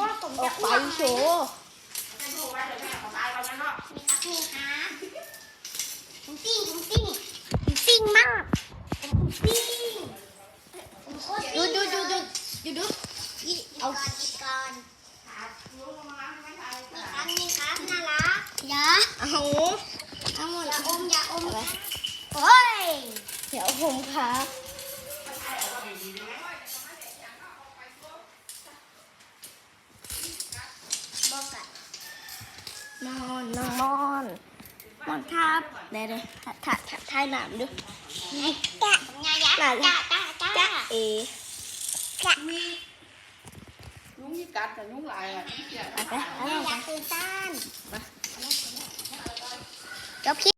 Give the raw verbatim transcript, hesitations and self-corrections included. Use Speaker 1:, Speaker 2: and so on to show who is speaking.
Speaker 1: ผม
Speaker 2: อ
Speaker 1: จะ
Speaker 2: อกไป
Speaker 1: อ้วก
Speaker 2: โชว์
Speaker 1: นี่ครับนี่ครับผมซิ่งผมซิ่งผมซิ่งมากผมซิ่งผมโคตร
Speaker 2: ดู
Speaker 1: ซิ่ง
Speaker 2: ดูดู
Speaker 1: เล
Speaker 2: ดู
Speaker 1: ย
Speaker 2: ดูดู
Speaker 1: เอาก่อนอีกก่อนนี่ครับนี่ครับน่ารักอย่า
Speaker 2: เอา
Speaker 1: เอาหมดอย่าอมอย่าอมโอ้ย
Speaker 2: เดี๋ยวผมครับ
Speaker 1: บอกกัน
Speaker 2: นอนนอนมอนมอนครับเดี๋ยวเดี๋ยวถ่ายถ่ายถ่ายหนามดู
Speaker 1: ไงจ้าไงยะจ้าจ้าจ้า
Speaker 2: จ้าเอ
Speaker 1: จ้า
Speaker 3: nhúng với cạch rồi nhúng lại rồi
Speaker 2: ไปไป
Speaker 1: แม่อยากตื่นต้าน
Speaker 2: มา
Speaker 1: จบคลิป